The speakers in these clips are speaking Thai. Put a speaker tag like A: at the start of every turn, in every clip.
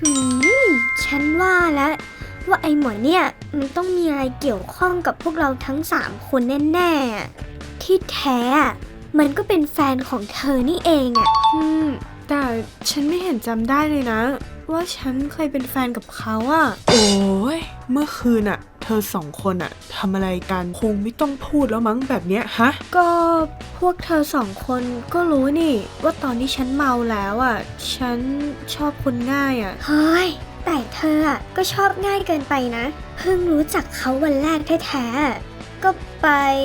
A: ฉันว่าแล้วว่าไอ้หมอเนี่ยมันต้องมีอะไรเกี่ยวข้องกับพวกเราทั้ง3คนแน่ๆที่แท้มันก็เป็นแฟนของเธอนี่เอง
B: แต่ฉันไม่เห็นจำได้เลยนะว่าฉันเคยเป็นแฟนกับเขาโอ้ยเมื่อคืนเธอ2 คนทำอะไรกันคงไม่ต้องพูดแล้วมั้งแบบเนี้ยฮะก็พวกเธอ2 คนก็รู้นี่ว่าตอนที่ฉันเมาแล้วฉันชอบคนง่าย
A: เฮ้ยแต่เธอก็ชอบง่ายเกินไปนะเพิ่งรู้จักเขาวันแรกแท้ๆก็ไป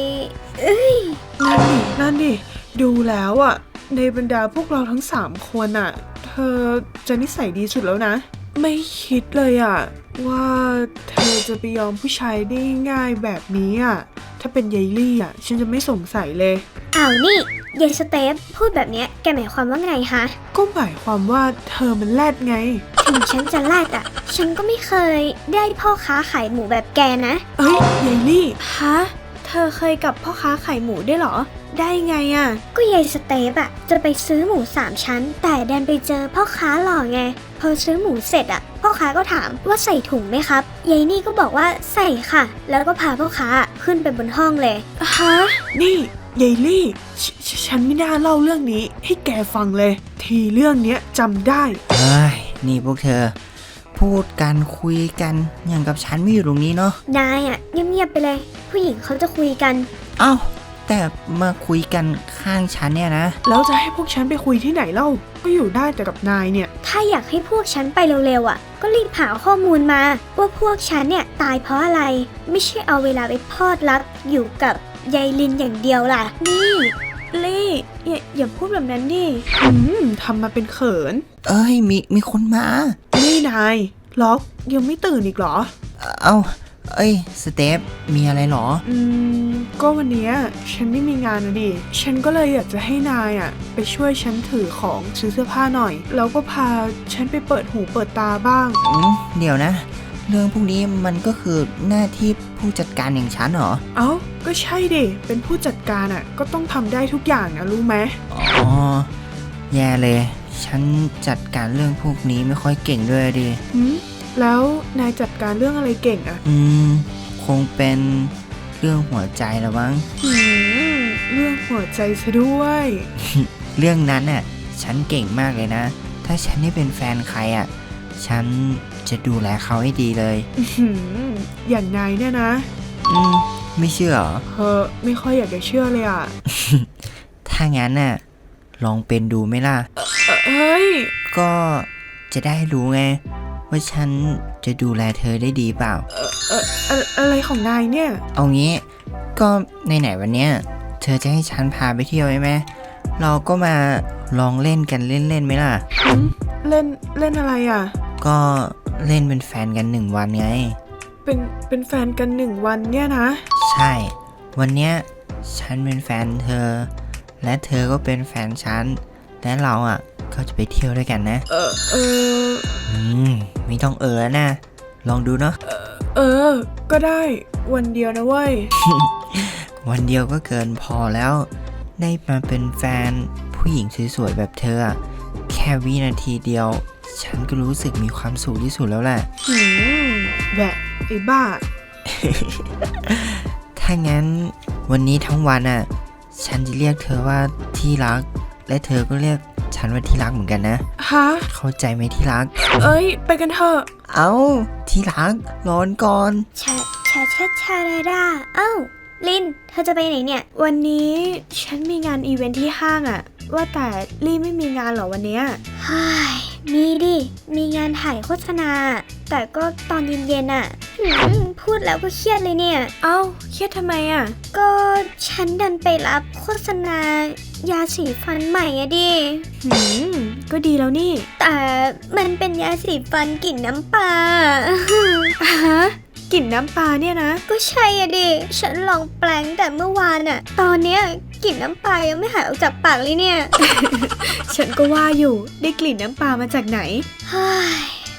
B: นั่นดิดูแล้วในบรรดาพวกเราทั้ง3 คนเธอจะนิสัยดีสุดแล้วนะไม่คิดเลยว่าเธอจะไปยอมผู้ชายได้ง่ายแบบนี้ถ้าเป็นยายลี่ฉันจะไม่สงสัยเลย
A: อ้าวนี่ยายสเตฟพูดแบบนี้แกหมายความว่าไงฮะ
B: ก็หมายความว่าเธอมันแรดไง
A: ถึงฉันจะแรดฉันก็ไม่เคยได้พ่อค้าขายหมูแบบแกนะ
B: เอ้ยยายลี่ฮะเธอเคยกับพ่อค้าขายหมูได้เหรอได้ไง
A: ก็ยายสเตฟจะไปซื้อหมู3 ชั้นแต่ดันไปเจอพ่อค้าหล่อไงพอซื้อหมูเสร็จพ่อค้าก็ถามว่าใส่ถุงไหมครับยายนี่ก็บอกว่าใส่ค่ะแล้วก็พาพ่อค้าขึ้นไปบนห้องเลย
B: ฮะนี่ยายลี่ฉันไม่น่าเล่าเรื่องนี้ให้แกฟังเลยทีเรื่องเนี้ยจำได้
C: เฮ้ยนี่พวกเธอพูดกันคุยกันอย่างกับฉันไม่อยู่ตรงนี้เนาะ
A: นายเงียบๆไปเลยผู้หญิงเขาจะคุยกัน
C: เอ้าแต่มาคุยกันข้างฉันเนี่ยนะ
B: แล้วจะให้พวกฉันไปคุยที่ไหนเล่าก็อยู่ได้แต่กับนายเนี่ย
A: ถ้าอยากให้พวกฉันไปเร็วๆก็รีบหาข้อมูลมาว่าพวกฉันเนี่ยตายเพราะอะไรไม่ใช่เอาเวลาไปพอดรักอยู่กับยายลินอย่างเดียวล่ะ
B: นี่ลี่อย่าพูดแบบนั้นดิทำมาเป็นเขิน
C: เอ้ยมีคนมา
B: นี่นายล็อกยังไม่ตื่นอีกเหรอ
C: เอ้าเอ้ยสเตฟมีอะไรหรอ
B: ก็วันนี้ฉันไม่มีงานดิฉันก็เลยอยากจะให้นายไปช่วยฉันถือของซื้อเสื้อผ้าหน่อยแล้วก็พาฉันไปเปิดหูเปิดตาบ้าง
C: เดี๋ยวนะเรื่องพวกนี้มันก็คือหน้าที่ผู้จัดการอย่างฉันเหรอ
B: เอ้าก็ใช่ดิเป็นผู้จัดการก็ต้องทำได้ทุกอย่างนะรู้ไหม
C: อ๋อแย่เลยฉันจัดการเรื่องพวกนี้ไม่ค่อยเก่งด้วยดิ
B: แล้วนายจัดการเรื่องอะไรเก่ง
C: คงเป็นเรื่องหัวใจละมั้ง
B: เรื่องหัวใจซะด้วย
C: เรื่องนั้นฉันเก่งมากเลยนะถ้าฉันได้เป็นแฟนใครฉันจะดูแลเขาให้ดีเลย
B: อย่างนายเนี่ยนะ
C: ไม่เชื่อเหรอ
B: ไม่ค่อยอยากจะเชื่อเลย
C: ถ้างั้นลองเป็นดูไหมล่ะ
B: เฮ้ย
C: ก็จะได้รู้ไงว่าฉันจะดูแลเธอได้ดีเปล่า
B: อะไรของนายเนี่ย
C: เอางี้ก็ไหนวันเนี้ยเธอจะให้ฉันพาไปเที่ยวใช่ไหมเราก็มาลองเล่นกันเล่นไหมล่ะ
B: เล่นอะไร
C: ก็เล่นเป็นแฟนกัน1 วันไง
B: เป็นแฟนกัน1 วันเนี่ยนะ
C: ใช่วันเนี้ยฉันเป็นแฟนเธอและเธอก็เป็นแฟนฉันและเราก็จะไปเที่ยวด้วยกันนะไม่ต้องนะลองดูเนาะ
B: ก็ได้วันเดียวนะเว้ย
C: วันเดียวก็เกินพอแล้วได้มาเป็นแฟนผู้หญิงสวยๆแบบเธอแค่วินาทีเดียวฉันก็รู้สึกมีความสุขที่สุดแล้วแหละ
B: แบบไอ้บ้า
C: ถ้างั้นวันนี้ทั้งวันฉันจะเรียกเธอว่าที่รักและเธอก็เรียกฉันว่าที่รักเหมือนกันนะ
B: ฮะ
C: เข้าใจไหมที่รัก
B: ไปกันเถอะ
C: เอ้าที่รักร้อนก่อน
A: ชาดาเอ้าลินเธอจะไปไหนเนี่ย
B: วันนี้ฉันมีงานอีเวนท์ที่ห้างว่าแต่ลี่ไม่มีงานเหรอวันเนี้ย
A: มีดิมีงานถ่ายโฆษณาแต่ก็ตอนเย็นพูดแล้วก็เครียดเลยเนี่ย
B: เอ้าเครียดทำไม
A: ก็ฉันดันไปรับโฆษณายาสีฟันใหม่ดิ
B: ก็ดีแล้วนี่
A: แต่มันเป็นยาสีฟันกลิ่นน้ำปลา
B: ฮะกลิ่นน้ำปลาเนี่ยนะ
A: ก็ใช่ดิฉันลองแปลงแต่เมื่อวานตอนเนี้ยกลิ่นน้ำปลายังไม่หายออกจากปากเลยเนี่ย
B: ฉันก็ว่าอยู่ได้กลิ่นน้ำปลามาจากไหน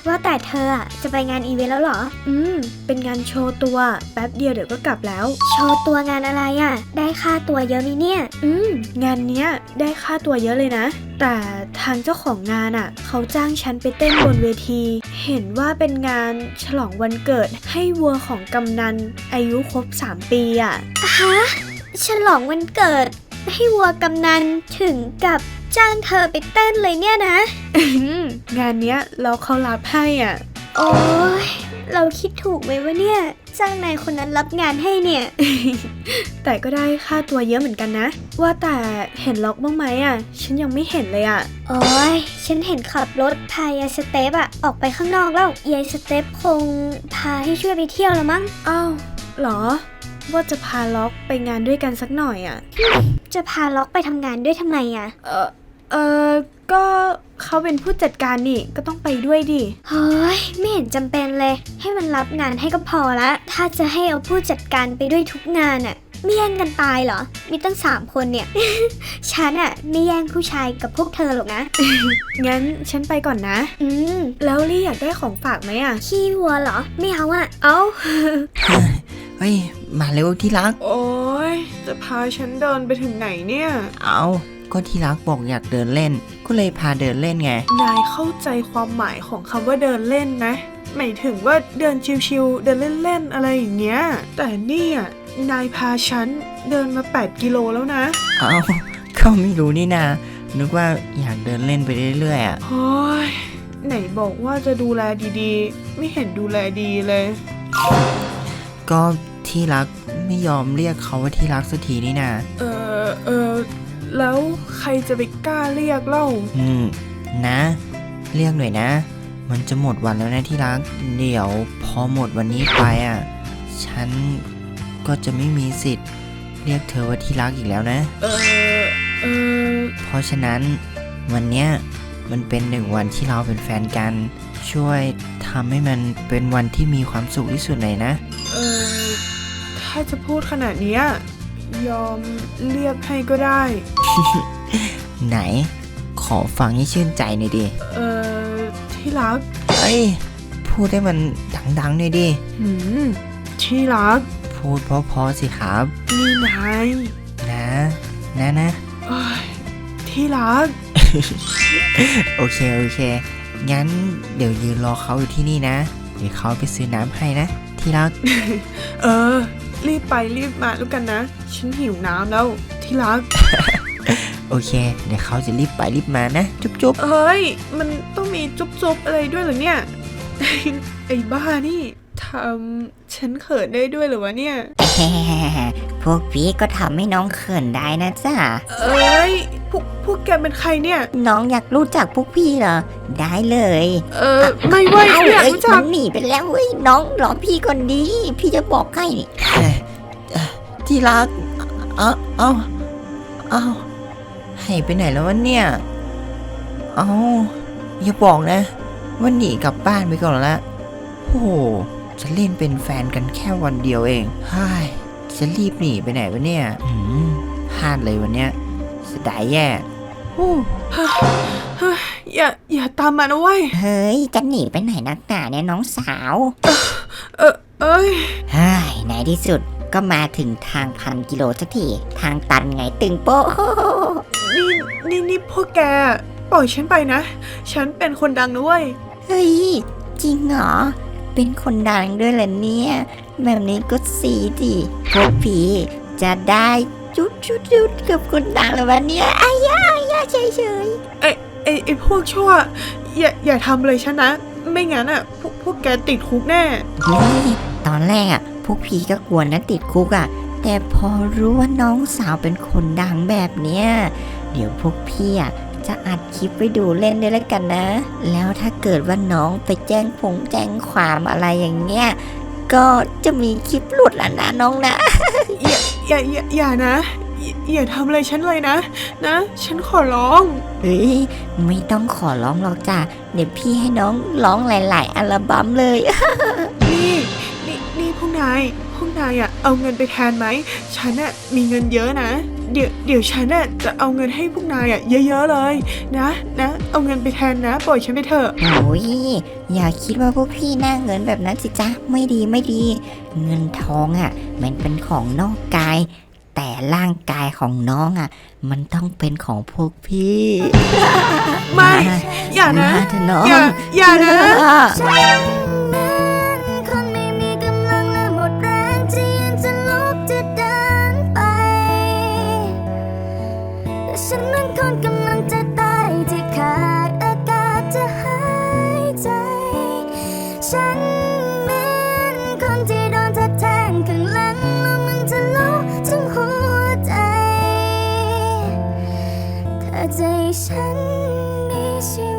A: ว่าแต่เธออะจะไปงานอีเวนต์แล้วเหรอ
B: เป็นงานโชว์ตัวแป๊บเดียวเดี๋ยวก็กลับแล้ว
A: โชว์ตัวงานอะไรอะได้ค่าตัวเยอะไหมเนี่ย
B: งานเนี้ยได้ค่าตัวเยอะเลยนะ แต่ทางเจ้าของงานเขาจ้างฉันไปเต้นบนเวที เห็นว่าเป็นงานฉลองวันเกิดให้วัวของกำนันอายุครบ3 ปี
A: ฮะฉลองวันเกิดให้วัวกำนันถึงกับจ้างเธอไปเต้นเลยเนี่ยนะ
B: งานเนี้ยเราเขารับให้
A: โอ้ยเราคิดถูกไหมวะเนี่ยจ้างนายคนนั้นรับงานให้เนี่ย
B: แต่ก็ได้ค่าตัวเยอะเหมือนกันนะ ว่าแต่เห็นล็อกบ้างไหมฉันยังไม่เห็นเลย
A: โอ้ยฉันเห็นขับรถพายายสเตปออกไปข้างนอกแล้วยายสเตปคงพาให้ช่วยไปเที่ยวแล้วมั้ง
B: อ้าวเหรอว่าจะพาล็อกไปงานด้วยกันสักหน่อย
A: จะพาล็อกไปทำงานด้วยทำไม
B: ก็เขาเป็นผู้จัดการนี่ก็ต้องไปด้วยดิ
A: เฮ้ยไม่เห็นจำเป็นเลยให้มันรับงานให้ก็พอละถ้าจะให้เอาผู้จัดการไปด้วยทุกงานไม่แย่งกันตายเหรอมีตั้ง3 คนเนี่ย ฉันไม่แย่งผู้ชายกับพวกเธอหรอกนะ
B: งั้นฉันไปก่อนนะแล้วลี่อยากได้ของฝากไหม
A: ขี้วัวเหรอไม่เอา
B: เอ้า
C: เฮ้ยมาเร็วที่รัก
B: โอ้ยจะพาฉันเดินไปถึงไหนเนี่ย
C: เอาก็ที่รักบอกอยากเดินเล่นก็เลยพาเดินเล่นไง
B: นายเข้าใจความหมายของคำว่าเดินเล่นนะหมายถึงว่าเดินชิวๆเดินเล่นๆอะไรอย่างเงี้ยแต่นี่นายพาฉันเดินมา8 กิโลแล้วนะ
C: เอาก็ไม่รู้นี่นานึกว่าอยากเดินเล่นไปเรื่อยๆ
B: โอ้ยไหนบอกว่าจะดูแลดีๆไม่เห็นดูแลดีเลย
C: ก็ที่รักไม่ยอมเรียกเขาว่าที่รักสักทีนี่นา
B: แล้วใครจะไปกล้าเรียกเล่า
C: นะเรียกหน่อยนะมันจะหมดวันแล้วนะที่รักเดี๋ยวพอหมดวันนี้ไปฉันก็จะไม่มีสิทธิ์เรียกเธอว่าที่รักอีกแล้วนะเพราะฉะนั้นวันเนี้ยมันเป็น1 วันที่เราเป็นแฟนกันช่วยทำให้มันเป็นวันที่มีความสุขที่สุดหน่อยนะ
B: ถ้าจะพูดขนาดนี้ยอมเรียกให้ก็ได้
C: ไหนขอฟังให้ชื่นใจหน่อยดิ
B: ที่รัก
C: เอ้ยพูดให้มันดังๆหน่อยดิ
B: ที่รัก
C: พูดเพราะๆสิครับ
B: นี่นาย
C: นะ
B: ที่รัก
C: โอเคงั้นเดี๋ยวยืนรอเขาอยู่ที่นี่นะเดี๋ยวเขาไปซื้อน้ำให้นะที่รัก
B: รีบไปรีบมาแล้วกันนะฉันหิวน้ำแล้วที่รัก
C: โอเคเดี๋ยวเขาจะรีบไปรีบมานะจุ๊บ
B: เฮ้ยมันต้องมีจุ๊บอะไรด้วยเหรอเนี่ย ไอ้บ้านี่ทำฉันเขินได้ด้วยเหรอวะเนี่ย
D: พวกพี่ก็ทำให้น้องเขินได้นะจ๊ะ
B: พวกแกเป็นใครเนี่ย
D: น้องอยากรู้จักพวกพี่เหรอได้เลย
B: ไม่ไหวอยากรู้จัก
D: มันหนีไปแล้วเว้ยน้องรอพี่ก่อนดีพี่จะบอกให้นี่
C: ที่รักเอาหายไปไหนแล้ววะเนี่ยอย่าบอกนะว่าหนีกลับบ้านไปก่อนละโอ้โหจะเล่นเป็นแฟนกันแค่วันเดียวเองจะรีบหนีไปไหนวะเนี่ยพลาดเลยวันเนี้ยเสียดายแย่
B: อย่าตามมานะเว้ย
D: เฮ้ยจะหนีไปไหนนักหนาเนี่ยน้องสาวในที่สุดก็มาถึงทาง1,000 กิโลสักทีทางตันไงตึงโป๊ะ
B: นี่พวกแกปล่อยฉันไปนะฉันเป็นคนดังนะเว้ย
D: เฮ้ยจริงเหรอเป็นคนดังด้วยเหรอเนี่ยแบบนี้ก็สีดิพวกพี่จะได้จุดกับคนดังแล้ววันนี้อ้ายาเฉย
B: ไอ้พวกชั่วอย่าทำเลยฉันนะไม่งั้นพวกแกติดคุกแน่
D: ตอนแรกพวกพี่ก็กลัวนะติดคุกแต่พอรู้ว่าน้องสาวเป็นคนดังแบบเนี้ยเดี๋ยวพวกพี่จะอัดคลิปไปดูเล่นด้วยแล้วกันนะแล้วถ้าเกิดว่าน้องไปแจ้งความอะไรอย่างเงี้ยก็จะมีคลิปหลุดแล้วนะน้องนะ
B: อย่านะอย่าทำอะไรฉันเลยนะฉันขอร้อง
D: ไม่ต้องขอร้องหรอกจ้ะเดี๋ยวพี่ให้น้องร้องหลายๆอัลบั้มเลย
B: นี่พวกนายเอาเอาเงินไปแทนไหมฉันน่ะมีเงินเยอะนะเดี๋ยวฉันน่ะจะเอาเงินให้พวกนายเยอะๆเลยนะเอาเงินไปแทนนะปล่อยฉันไปเถอะ
D: โอ้ยอย่าคิดว่าพวกพี่หน้าเงินแบบนั้นสิจ๊ะไม่ดีไม่ดี เงินทองมันเป็นของนอกกาย แต่ร่างกายของน้องมันต้องเป็นของพวกพี่
B: ไม่ อย่านะ
D: มาเถอะน้อง
B: อย่านะ
E: คนไม่มีกำลังและหมดแรงที่ยังจะลุกจะเดินไปแต่ฉันนั้นคนกำลังจะตายที่ขาดอากาศจะหายใจ ฉันเหมือนคนที่โดนแทงข้างหลังแล้วมันจะลุกถึงหัวใจถ้าใจฉันมีชี